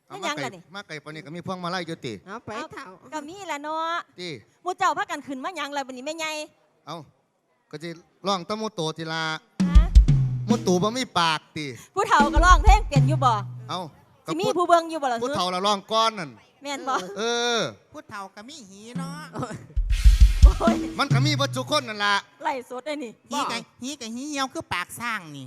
เอามาไก่มาไก่ปานนี้ก็มีพวงมาลัยอยู่ติเอาไปเท่าก็มีแหละเนาะติหมู่เจ้าพากันขึ้นมาหยังแล้วบัดนี้แม่ใหญ่เอาก็สิร้องตะโมโตติลาฮะโมตูบ่มีปากติผู้เฒ่าก็ร้องเพลงเปลี่ยนอยู่บ่เอาสิมีผู้เบิ่งอยู่บ่ล่ะผู้เฒ่าละร้องก้อนนั่นแม่นบ่พูดเท่ากับมีหีเนาะมันก็มีบ่ทุกคนนั่นล่ะไล่สดได้นี่หีกับหีเหี่ยวคือปากสร้างนี่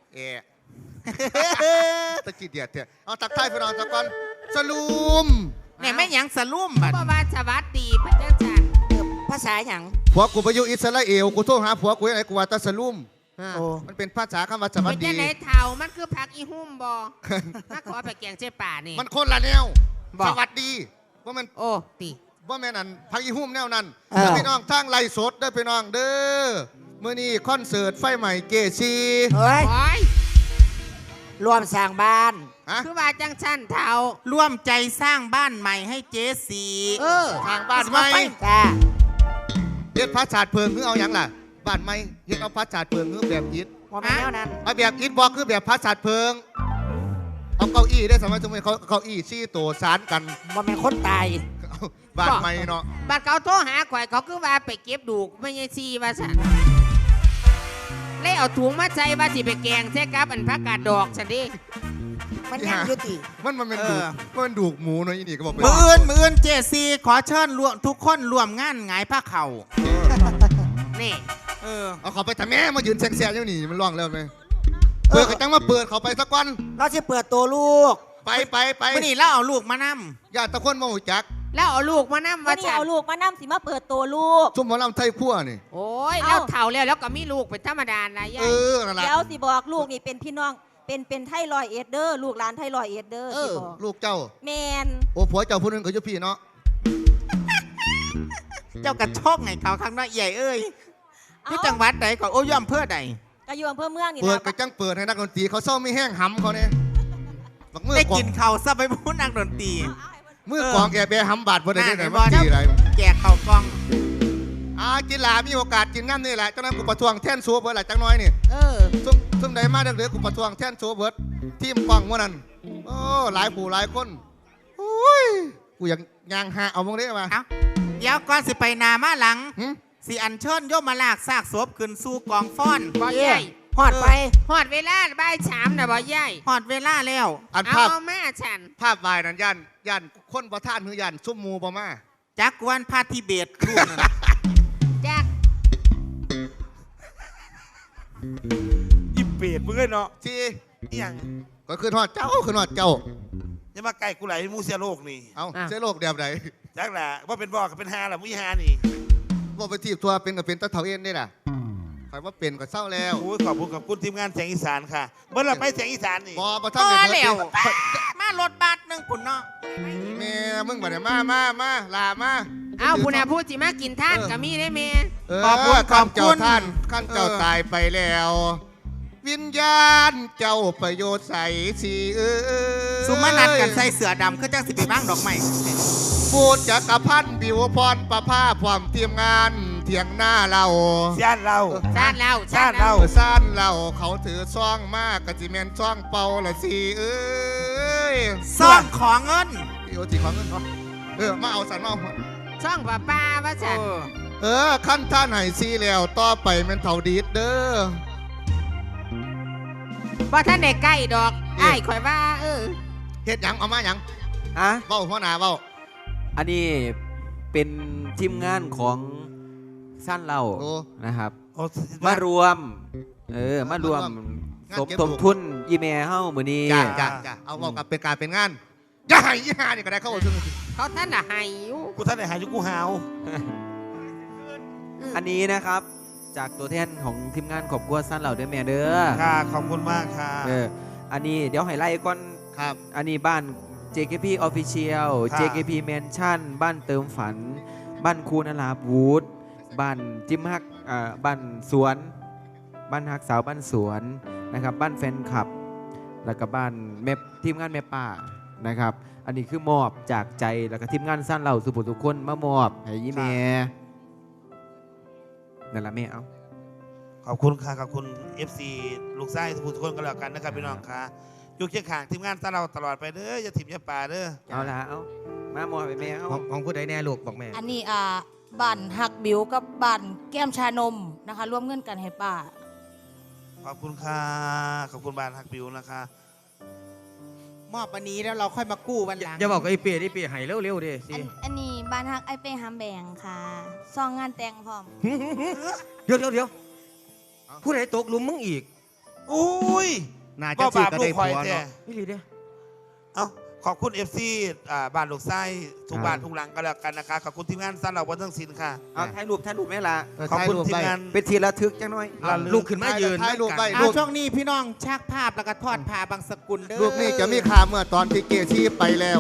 ตะกี้เดียดเถอะเอาตักทายพี่น้องตะก่อนสลุมเนี่ยไม่หยังสลุ่มบัดเพราะว่าสวัสดีพระเจ้าจันภาษาหยังผัวกูไปอยู่อิสราเอลกูโทรหาผัวกูยังไงกูว่าตะสลุมมันเป็นภาษาคำว่าสวัสดีเป็นไหนเท่ามันคือผักอีหุ่มบ่มาขอไปแกงเจ๊ป่านี่มันคนละแนวสวัสดีว่ามันโอ้ติว่าแม่นั่นพักอีหุ่มแนวนั้นพี่น้องทางไล่สดได้พี่น้องเด้อเมื่อนี้คอนเสิร์ตไฟใหม่เกชีเฮ้ยรวมสร้างบ้านคือว่าจังชั้นเท่าร่วมใจสร้างบ้านใหม่ให้เจสีทางบ้านใหม่เฮ็ดพระชาติเพิงคือเอาอย่างล่ะบ้านใหม่เฮ็ดเอาพระชาติเพิงคือแบบอิฐว่าแนวนั้นเอาแบบอิฐบอกคือแบบพระชาติเพิงเอาเก้าอี้ได้สมัยเขาเก้าอี้ชี้ตัวสารกันว่าเป็นคนตายบ้านใหม่เนาะบ้านเขาโทรหาข่อยเขาคือว่าไปเก็บดูกไม่ใช่ซีว่าฉันเลยเอาถุงมาใส่ว่าสิไปแกงใช่ครับอันผักกาดดอกฉันดิมันยังยุติมันเป็นดูมันดูหมูเนาะอีนี่ก็บอกมือเจซีขอเชิญรวมทุกคนรวมงานหงายผ้าเข่านี่เอาเขาไปทำแม่มายืนแซงๆอยู่นี่มันร้องแล้วไหมเปิดก็จังมาเปิดเขาไปสักวันเราจะเปิดตัวลูกไปไม่นี่เราเอาลูกมานำญาติตะคนมาหูจักแล้วเอาลูกมานำว่าเอาลูกมานำสิมาเปิดตัวลูกชุ่มหมอลำไทยขั้วนี่โอ้ยแล้วเฒ่าแล้วก็มีลูกเป็นธรรมดานะยายเดี๋ยวสิบอกลูกนี่เป็นพี่น้องเป็นไทรอยเอดเดอร์ลูกหลานไทรอยเอดเดอร์สิบอกลูกเจ้าแมนโอ้ผัวเจ้าผู้นึงก็อยู่พี่เนาะเจ้ากระชอกไงเขาข้างน้อยใหญ่ที่จังหวัดไหนก่อนโอ้ยอำเภอใดก็อยู่อำเภอเมืองนี่เปิดกระจังเปิดให้นักดนตรีเขาเศร้าไม่แห้งหำเขาเนี่ยได้กินเขาซะไปพูดนักดนตรีมือกองแอบแบหำบาดพอได้ไหนมาตีอะไรแจกเขากองกินหลามีโอกาสกินน้ำนี่แหละเจ้านั้นกูประท้วงแท่นซัวเบิร์ดหละจังน้อยนี่ซุ่มใดมาเดือดกูประท้วงแท่นซัวเบิร์ดทีมกองว่านั้นโอ้หลายผู้หลายคนโอ้ยกูอยากยางหาเอามองได้มาเดี๋ยวก่อนสิไปนามาหลังสิอันเชิญโยมมาลากซากศพขึ้นสู่กองฟ้อนบ่ใหญ่หอดไปหอดเวลาบ่าย3นะบ่ใหญ่หอดเวลาแล้วเอาแม่ฉันภาพวายนั้นยันคนประท่านคือยันซุ่มมูบ่มาจักวันพาทิเบตรูปนั่นจักยิบเปรตมึงเลยเนาะที่อย่างก็คือทอดเจ้าอย่ามาไก่กูไหลมูเสียโลกนี่เอาเสียโลกเดียบไหนจักแหละว่าเป็นบอกกับเป็นฮาแหละมุ้ยฮานี่ว่าไปทีบทัวเป็นกับเป็นตะเถาเอ็นได้ล่ะใครว่าเป็นก็เศร้าแล้วโอ้ยขอบคุณทีมงานแสงอีสานค่ะเมื่อเราไปแสงอีสานนี่บ่ท่านเแล้วมารถบัสนึงปุ่นเนาะแม่มึงบ่ได้มาลามาเอาผู้น่ะพูดสิมากินท่านก็มีได้แม่ขอบคุณเจ้าท่านขั้นเจ้าตายไปแล้ววิญญาณเจ้าประโยชน์ใส่สีสุมานัดกันใส่เสือดำคือจังสิไปบ้างดอกไม้พูดจักรพันธ์บิวพรประภาพความเตรียมงานเถียงหน้าเราซ่านเราเขาถือซ่องมากกะจิเมนซ่องเป่าละสิซ่องของเงินโอ้จีของเงินมาเอาสันมาซ่องป้าว่าฉันขั้นท่านไหนซีแล้วต่อไปมันเท่าดีดเด้อว่าท่านในใกล้ดอกไอ้ข่อยว่าเฮ็ดหยังเอามาหยังเบ้าหัวหน้าเบ้าอันนี้เป็นทีมงานของสั้นเรานะครับมารวมสมทบทุนอีเมลเฮ้ามือนี้จ้าเอาบอกกับเป็นการเป็นงานอย่าให้ยี่ห้านี่ก็ได้เข้าซึ่งเขาท่านน่ะให้กูท่านไหนหายยุกูหาวอันนี้นะครับจากตัวแทนของทีมงานขอบคุณสั้นเราด้วยแม่เด้อค่ะขอบคุณมากค่ะอันนี้เดี๋ยวให้ไล่ก่อนครับอันนี้บ้าน JKP Official JKP Mansion บ้านเติมฝันบ้านคูนอาลาบูดบ้านจิ้มฮักบ้านสวนบ้านฮักสาวบ้านสวนนะครับบ้านแฟนคลับแล้วก็บ้านแม่ทีมงานแม่ป่านะครับอันนี้คือมอบจากใจแล้วก็ทีมงานสั้นเราสุภุทุกคนมามอบให้ยี่เมนั่นละแม่เอาขอบคุณค่ะขอบคุณ FC ลูกไส้ทุกคนก็แล้วกันนะครับพี่น้องค่ะโยอยู่เคียงข้างทีมงานตาเราตลอดไปเด้ออย่าถิ่มอย่าป่าเด้อเอาละเอามาหมอไปแม่เอาของผู้ใดแน่ลูกบอกแม่อันนี้บ้านหักบิวกับบ้านแก้มชานมนะคะร่วมเงินกันให้ป้าขอบคุณค่ะขอบคุณบานฮักบิวนะคะมอบวันนี้แล้วเราค่อยมากู้วันหลังอย่าบอกกับไอ้เปียหายเร็วๆดิสิอันนี้บ้านฮักไอเป้ฮัมแบงค่ะซองงานแต่งพร้อมเดี๋ยวผู้ใดตกหลุมมึงอีกอุ้ยน่าจะก็ซื้บาอปก็ลูได้กคผัอยว แท้เนาะนี่ลีเด้อเอ้าขอบคุณ FC บ้านลูกไส้ทุกบ้านทุกหลังก็แล้วกันนะคะขอบคุณทีมงานสั้นเราวันทั้งสิ้นค่ะเอาถ่ายรูปแม่ละขอบคุณทีมงานเป็นทีละทึกจังหน่อยลูกขึ้นมายืนถ่ายรูปไปเอาช่วงนี้พี่น้องชักภาพแล้วก็ทอดผ้าบางสกุลเด้อรูปนี้จะมีค่าเมื่อตอนที่เกชีไปแล้ว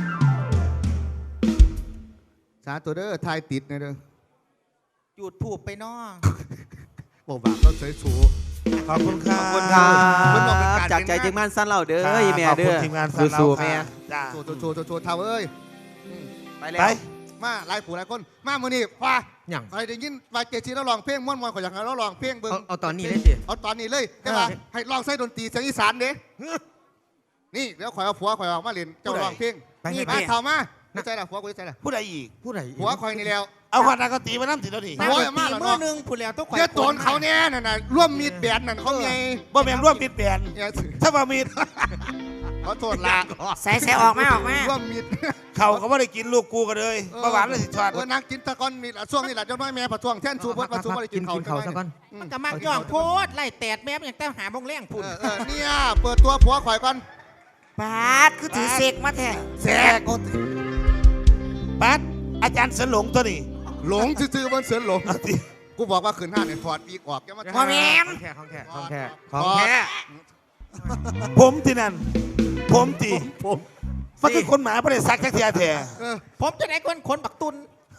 สาตัวเด้อถ่ายติดนะเด้อจุดถูกไปน้องบอกบาปเราเฉยสูขอบคุณค่ะขอบคุณครับเพิ่นบอกเป็นการจากใจทีมงานสั้นเราเด้อค่ะอีแม่ขอบเด้คุณอทีมงานสั้นเราสู้ๆแม่ค่ะจ้าโชว์เท่าเอ้ยไปแล้วไปมาหลายผู้หลายคนมามื้อนี้ว่าอย่างใครได้ยินว่าเกชีเราลองเพลงม่วนๆขอยอยากให้เราลองเพลงเบิ่งเอาตอนนี้เลยสิเอาตอนนี้เลยแต่ว่าให้ลองใส่ดนตรีเสียงอีสานเด้นี่เดี๋ยวข่อยเอาผัวข่อยออกมาเล่นเจ้าลองเพลงไปให้มาเปียเข้ามาไม่ใช่ละผัวกูไม่ใช่ละผู้ใดอีกผู้ใดผัวข่อยนี่แล้วเอาขวานากตีมาน้ำติดแล้วนี่มาโอ้ยตีมาแล้วเนอะมือหนึ่งผู้แล้วต้องข่อยเจ้าโจรเขาเนี่ยน่ะนะร่วมมีดแบนนั่นเขาไงบ่แม่นร่วมมิดแบนเนี่ยถ้าบ่มีดเขาโทษละใส่ออกมาร่วมมีดเขาก็ไม่ได้กินลูกกูกันเลยประหวานเลยสิชอดนักกินตะกอนนี่แหละช่วงนี้แหละเจ้าน้อยแม่ประท้วงแท่นชูพดประท้วงอะไรกินเขากินเขาซะก่อนมันก็มักย่องโพดไล่แตดแม่อย่างแต่หาบงแรงพุ่นเนี่ยเปิดตัวผัวข่อยก่อนบาดคือถือเสกมาแท้แสกปัดอาจารย์สนหลงตัวนี้หลงซื่อๆบนเสือหลงเอาสิกูบอกว่าขืนห้าเนี่ยถอดปีกออกแกมาพ่อแม่ของแท้ของแท้ของแท้ถขอองดแท้ผมที่นั่นผมตีมันคือคนหมาไม่ได้ซักแค่เทียแท้ผมจะได้คนบักตุน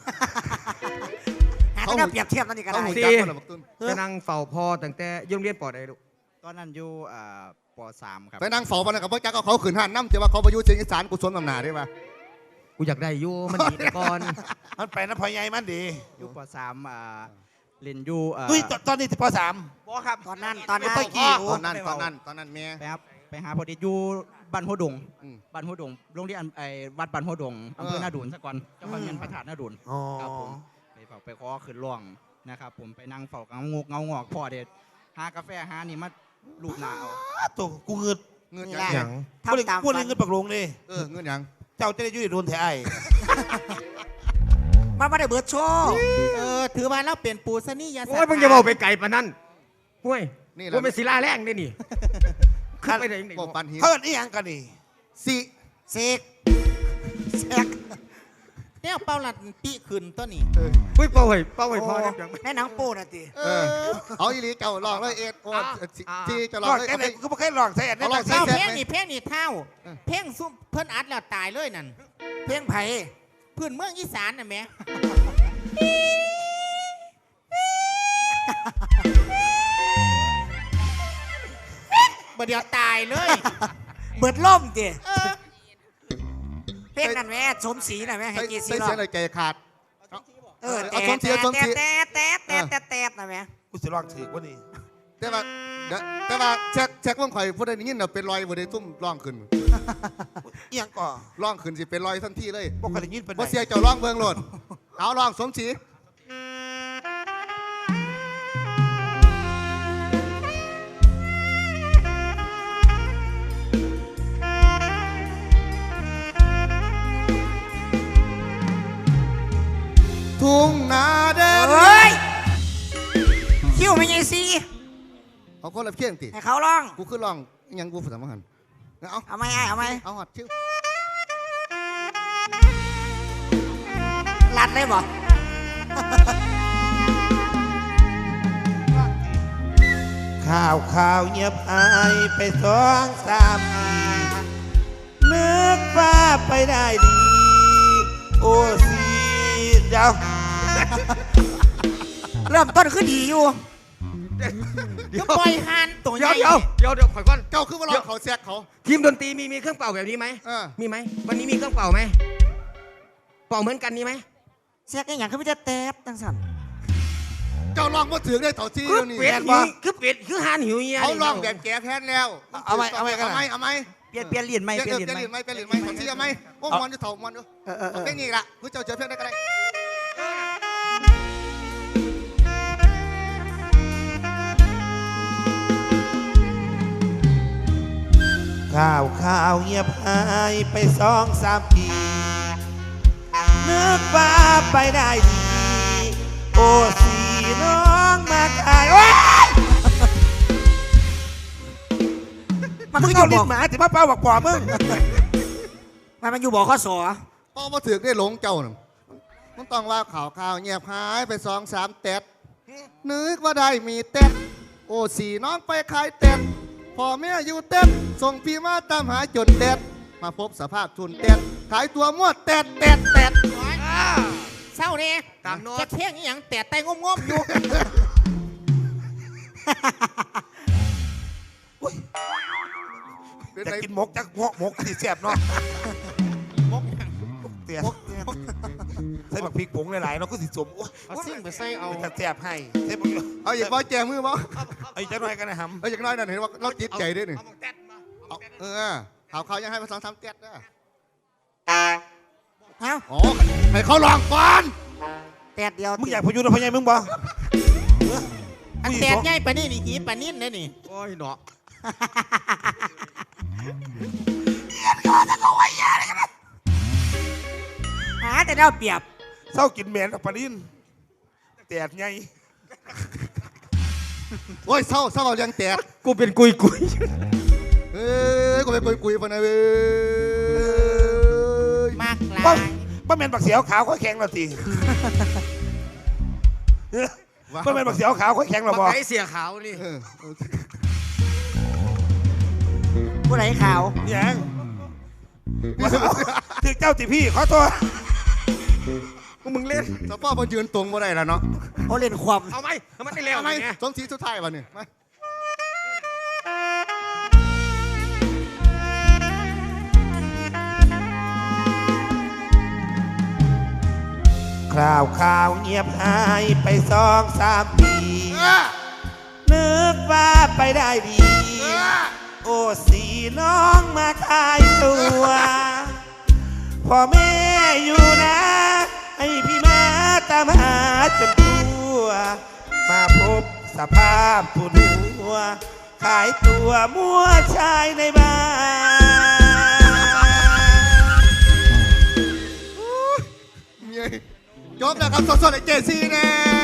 เขาเปรียบเทียบนั่นนี่ก็เขาได้หูจักคนละบักตุนไปนั่งเฝ้าพ่อตั้งแต่โรงเรียนปอใดลูกตอนนั้นอยู่ป .3 ครับไปนั่งเฝ้าปนกับพ่อจักเอาเขาขืนห้าน้ำเจ้าว่าเขาไปอยู่เชียงอีสานกูสวนตำหนาได้ปะกูอยากได้อยู่มันดีแต่ก่อนมันไปนะพอใหญ่มันดีอยู่ป .3 เรียนอยู่ตุ้ยตอนนี้ป .3 บ่ครับตอนนั้นตอนนั้นแม่ไปหาพอดีอยู่บ้านหัวดงอืมบ้านหัวดงโรงเรียนวัดบ้านหัวดงอำเภอเออนาดูนซะก่อนเจ้าพระเงินพระธาตุนาดูนอ๋อครับผมไปขอขึ้นร่องนะครับผมไปนั่งเฝ้าเงางอกพ่อเด็ดหากาแฟหานี่มาลูบหนาเอาตัวกูเงินเงินนี่ยัแหละงอย่างพูดเลยทำตามพูดเลยฝันเงินปักลงนี่เงินยังเจ้าจะได้อยุ่ยโดนแท้ไอ้มาไม่ได้เบิดโชว์ถือว่าเราเปลี่ยนปูซะนี่ยาโอ้ยมึงอย่าบอกไปไกลปานนั้นห้วยนี่แหละว่าเป็นศิลาแรงได้นี่ขึ้นไปไหนนี่บอกปันหินเขาเอินอีหยังกันนี่สิเสกเสกเนี่ยเป้าหลัดปีขึ้นตัวนี้อุ้ยเป้าไว้พ่อเนี่ยจังในหนังโป้น่ะติเอาอีหลีเก่าลองเลยเอ็ดโอ้ที่จะลลออง งเลยแค่ไหนกูไม่เคยลองใส่อันนี้เอาลองใส่เท่าแซ่บเพลงไหมนี่เพลงนี่เท่า เพลงซุ่มเพิ่นอัดแล้วตายเลยนั่นเพียงไผ่พื้นเมืองอีสานน่ะแหม่บ่เดียวตายเลยเบิดล่มติเออเพลงนั่นแม่สมศรีน่ะแม่ให้ใส่กี่สีใส่รอเสียบงเลยใจขาดแต่เอาสมศรีเอาสมศรีแต่น่ะแม่กูจะลองถือว่านี่แต่ว่าแช็ควงข่อยพูดได้ยินเป็นรอยบ่ได้ทุ่มร่องขึ้นอีหยังก่อร่องขึ้นสิเป็นรอยทันทีเลยบอกกันอย่างนี้เป็นบ่ไงเสียเจ้าร่องเบิ่งโลดเอาร่องสมศรี ทุ่งนาแดนเฮ้ยคิวไม่ใช่สีเอาคนละเพียงติให้เขาร้องกูขึ้นร้องอิหยังกูสามหันเอาเอาไหมไอ้เอาไหมเอาหอดชิวรัดเลยบ่ข่าวเงียบหายไป2-3 ปีนึกว่าไปได้ดี โอ้สีเดี๋ยวเริ่มต้นคือดีอยู่ก็ปล่อยหันตัวใหเดี๋ยวญ่เดี๋ยวข่อยก่อนเจ้าคือว่าร้องเขาแซกเขาทีมดนตรีมีเครื่องเป่าแบบนี้ไหม มีไหมวันนี้มีเครื่องเป่าไหมเป่าเหมือนกันนี่ไหมเสียกอย่างคือไม่จะแตบจังสันเจ้าลองมาถือได้ต่อซีคือเดี๋ยวนี้เป็ดหิวคือเป็ดคือหานหิวเงี้ยเขาลองแบบแก่แค้นแล้วเอาไหมเอาไหมกันเอาไหมเปลี่ยนเหรียญไหมเปลี่ยนเหรียญไหมต่อซีเอาไหมโอ้มันจะเถ่ามันดูเอาแค่นี้ละกูเจ้าเจอเพื่อนได้ก็ได้ข่าวเงียบหายไป2-3 ปีนึกว่าไปได้ดี โอ้สีน้องมาขายโอ้ยมันมึคืงออเอายู่ลิ้บอน กหมาที่มาเป้าบอกป่อมึงมันอยู่บอกข้อสอพอมาถือได้หลงเจ้าหนึ่งมันต้องว่าข่าวเงียบหายไป2-3 เต็ดนึกว่าได้มีเต็ดโอ้สีน้องไปขายเต็ดพ่อแม่อยู่เต็ดส่งพี่มาตามหาจนเต็ดมาพบสภาพทุนเต็ดขายตัวมั่วเต็ดเศร้าเนี่ยตามโน้ตจะเที่ยงอหย่างแต่แต่งมๆอยู่จะกินหมกจักหมกที่แซ่บเนาะมกเตี้ยใส่บักพริกผงหลายๆเนาะก็สิสมเอาซิ่งไปใส่เอาจะแซ่บให้ใส่บักเอาอย่าว่าแจมือบ่ไอ้จังหน่อยกันนะฮัมเอาอย่างน้อยนั่นเห็นว่าเราจิตใจด้วยนี่ข่าวยังให้มา2-3 เต็ดนะเอ้าอ๋อให้เขาลองก่อนแตดเดียวมึงอยากพยุนพยายมึงบ่อันแตกใหญ่ปะนี่นี่หีปะนิ่นเลยนี่โอ้ยเนาะหาแต่เดาเปรียบเศร้ากินแมนกับปลาดินแตดไงโอ้ยเศร้าเอาเรื่องแตดกูเป็นกุยเอ้ยกูไปคุยปะนะเว้ยมากหลาป้าย ป้าแมนบักเสียวขาวค่อยแข็งแล้วสิป้าแมนบักเสียวขาวค่อยแข็งแล้วบ่ไอเสียขาวนี่เออผู้ไหนขาวยังถึงเจ้าติพี่ขอโทษมึงเล่นสปอร์ตยืนตรงบ่ได้แล้วเนาะเขาเล่นความเอาไหมมันได้แล้วทำไมไงสมศรีสุดท้ายวะเนี่ยมาข่าวเงียบหายไป2-3 ปี นึกว่าไปได้ดี โอ้สีน้องมาขายตัวพ่อแม่อยู่นะ ให้พี่มาตามหาจนตัวมาพบสภาพผู้หัวขายตัวมั่วชายในบ้านจบแล้วครับสดๆไอ้เจซี่แน่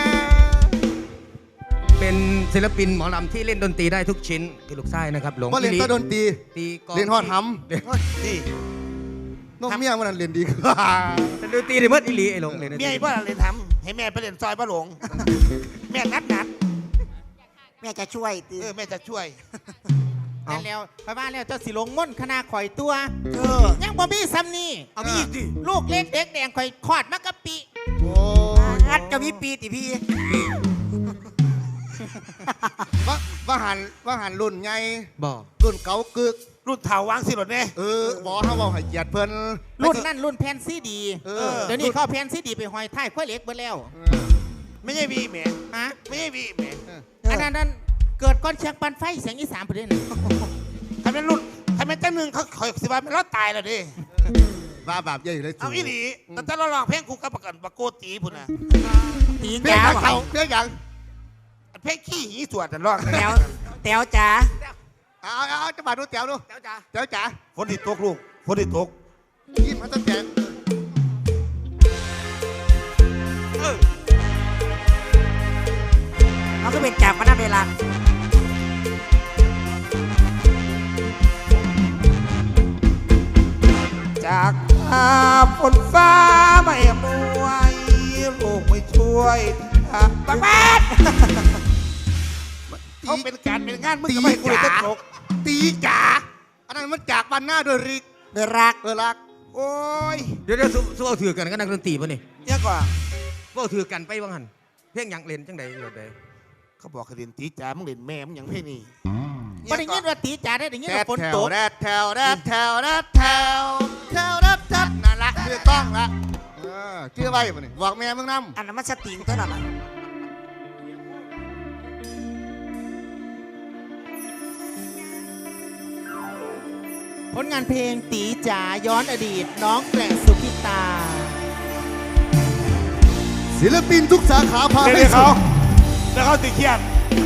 เป็นศิลปินหมอลำที่เล่นดนตรีได้ทุกชิ้นคือลูกไส้นะครับหลงว่าเรียนแต่ดนตรีตีกลองเรียนฮอดหนี่ำน้องเมียมันนั่นเรียนดีกว่าเป็นดนตรีในเมื่ออีหลีไอ้หลงเลยนะเมียพ่อเรียนทำให้แม่ไปเรียนซอยป้าหลง แม่นัดแม่จะช่วยตีแม่จะช่วยนั่นแล้วไปบ้านแล้วเจ้าสิลงม่นคณะข่อยตัว ยังบ่มีซ้ำนี่เอามีอีกดิลูกเล็กเด็กแดงข่อยคลอดมากะปิโอ้งัดจะมีปีติพี่ว่าหันรุ่นไงบอกรุ่นเก่ากึกรุ่นเถาวางสิหรอเนี่ยบอกเขาบอกให้เหยียดเพิ่นรุ่นนั่นรุ่นแผ่นซีดี เดี๋ยวนี้รุ่เข้าแผ่นซีดีไปห้อยท้ายข้อยเหล็กเบิดแล้วไม่ใช่วีแม่ฮะไม่ใช่วีแม่อันนั้นเกิดก้อนเชียงปันไฟเสียงอีสานประเด็นใครเป็นรุ่นใครเป็นเจ้าหนึ่งเขาคอยสิว่ามันรอดตายแล้วดิว่าบาปใหญ่เลยเอาอีหลีแต่เราลองเพลงกูกับประกันปะโกตีพุ่นนะตีเพี้ยจ๋ายังเขาเพี้ยยังเพลงขี้หีสวดแต่ร้องแต๋วแต๋วจ๋าเอาจะมาดูแถวดูแถวจ๋าฝนติดตกลูกฝนติดตกยิ้มมันต้องแจกเขาก็เป็นจากพนักเวลาจากฝนฟ้าไม่อำนวยลูกไม่ช่วยบังบ้านเขาเป็นการเป็นงานมึงก็ไม่ให้กูเลยตกตีจ๋าอันนั้นมันจากบ้านหน้าโดยริกเดือรักรักโอ้ยเดี๋ยวสู้เอาถือกันก็นักดนตรีป่ะนี่เยอะกว่าก็เอาถือกันไปบ้างหันเพียงยังเล่นจังใดอยู่ใดเขาบอกให้เรียนตีจ๋ามึงเรียนแม่มึงยังเพ่นี่บ่ได้ยินว่าตีจ๋าได้ยินแดว่าดฝนแถตวกแดดแถวแดดแถวแดดแถวแถวแดดแถวนั่นละคือต้องละชื่อไว้ป่ะนี่บอกแม่มึงนำอันนั้นมันสติงเท่านั้นเผลงานเพลงตีจ๋าย้อนอดีตน้องแกล่งสุขิตาศิลปินทุกสาขาพาเดี๋ให้ยวสุเขาดแล้วเขาติเขียน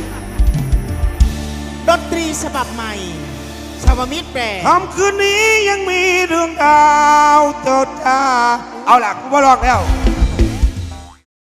ดนตรีฉบับใหม่ ชาวมิตรแปลคำคืนนี้ยังมีดวงดาวโจดจ้าเอาล่ะกูมาลองแล้ว